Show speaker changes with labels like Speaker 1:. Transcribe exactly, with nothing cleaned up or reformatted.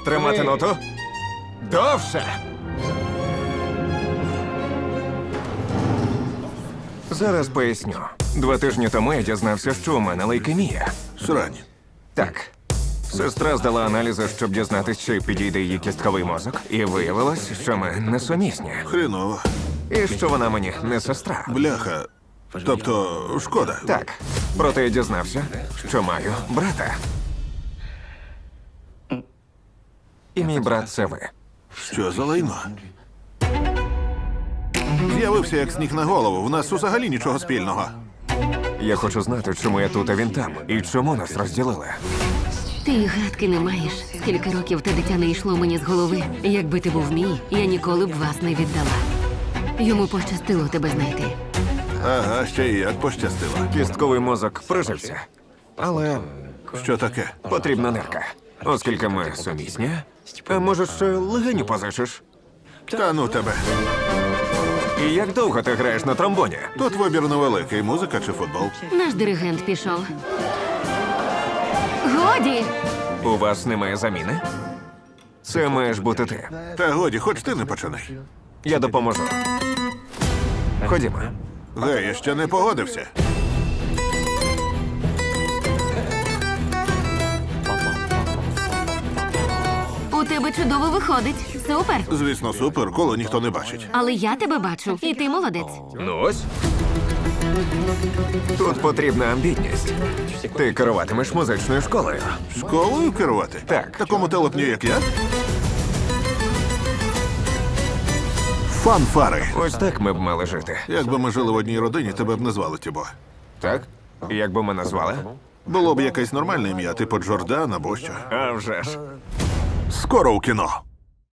Speaker 1: Тримати ноту. Довше. Зараз поясню. Два тижні тому я дізнався, що у мене лейкемія.
Speaker 2: Срань.
Speaker 1: Так. Сестра здала аналізи, щоб дізнатися, чи підійде її кістковий мозок. І виявилось, що ми не сумісні.
Speaker 2: Хреново.
Speaker 1: І що вона мені не сестра.
Speaker 2: Бляха. Тобто, шкода.
Speaker 1: Так. Проте я дізнався, що маю брата. І мій брат це ви.
Speaker 2: Що за лайно? З'явився як сніг на голову. В нас взагалі нічого спільного.
Speaker 1: Я хочу знати, чому я тут, а він там. І чому нас розділили.
Speaker 3: Ти й гадки не маєш. Скільки років те дитя не йшло мені з голови. Якби ти був мій, я ніколи б вас не віддала. Йому пощастило тебе знайти.
Speaker 2: Ага, ще й як пощастило.
Speaker 1: Кістковий мозок прижився. Але
Speaker 2: Що таке?
Speaker 1: потрібна нирка. Оскільки ми сумісні, а може, ще легеню позичиш?
Speaker 2: Та ну тебе.
Speaker 1: І як довго ти граєш на тромбоні?
Speaker 2: Тут вибір невеликий. Музика чи футбол?
Speaker 3: Наш диригент пішов. Годі!
Speaker 1: У вас немає заміни? Це маєш бути ти.
Speaker 2: Та годі, хоч ти не починай.
Speaker 1: Я допоможу. Ходімо.
Speaker 2: Гей, я ще не погодився.
Speaker 3: У тебе чудово виходить. Супер!
Speaker 2: Звісно, супер, коло ніхто не бачить.
Speaker 3: Але я тебе бачу, і ти молодець.
Speaker 1: Ну ось. Тут потрібна амбітність. Ти керуватимеш музичною школою.
Speaker 2: Школою керувати?
Speaker 1: Так.
Speaker 2: Такому телепню, як я? Фанфари.
Speaker 1: Ось так ми б мали жити.
Speaker 2: Якби ми жили в одній родині, тебе б не звали Тібо.
Speaker 1: Так? Як би ми назвали?
Speaker 2: Було б якесь нормальне ім'я, типу Джордан або що.
Speaker 1: А вже ж.
Speaker 2: Скоро у кіно.